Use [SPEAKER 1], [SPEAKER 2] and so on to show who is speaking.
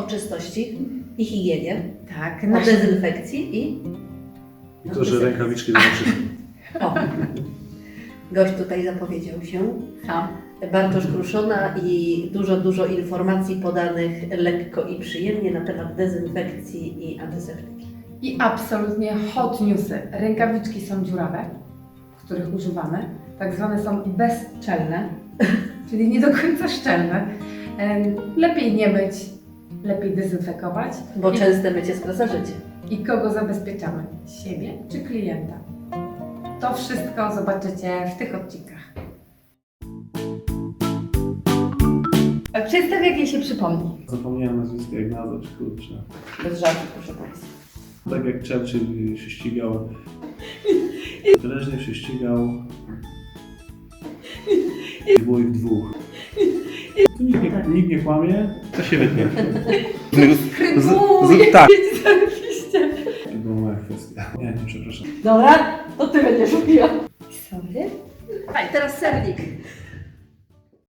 [SPEAKER 1] czystości i higienie,
[SPEAKER 2] Tak,
[SPEAKER 1] o dezynfekcji i...
[SPEAKER 3] I to, że rękawiczki do wszystko.
[SPEAKER 1] O, gość tutaj zapowiedział się.
[SPEAKER 2] Sam.
[SPEAKER 1] Bartosz Kruszona i dużo informacji podanych lekko i przyjemnie na temat dezynfekcji i antyseptyki.
[SPEAKER 2] I absolutnie hot newsy. Rękawiczki są dziurawe, których używamy. Tak zwane są bezszczelne, czyli nie do końca szczelne. Lepiej nie myć, lepiej dezynfekować.
[SPEAKER 1] Bo częste mycie skraca życie.
[SPEAKER 2] I kogo zabezpieczamy? Siebie czy klienta? To wszystko zobaczycie w tych odcinkach. Przedstaw, jak jej się przypomni.
[SPEAKER 3] Zapomniałem nazwiska, jak nazwać, kurczę.
[SPEAKER 2] Bez żartu, proszę Państwa.
[SPEAKER 3] Tak jak Churchill się ścigał. Wyraźnie się ścigał. I było ich dwóch. Tu nikt nie kłamie, to się wytnie. Tak.
[SPEAKER 2] Zarobiście.
[SPEAKER 3] To była moja kwestia. Nie, przepraszam.
[SPEAKER 1] Dobra, to Ty będziesz mówiła.
[SPEAKER 2] Sorry.
[SPEAKER 1] Teraz sernik.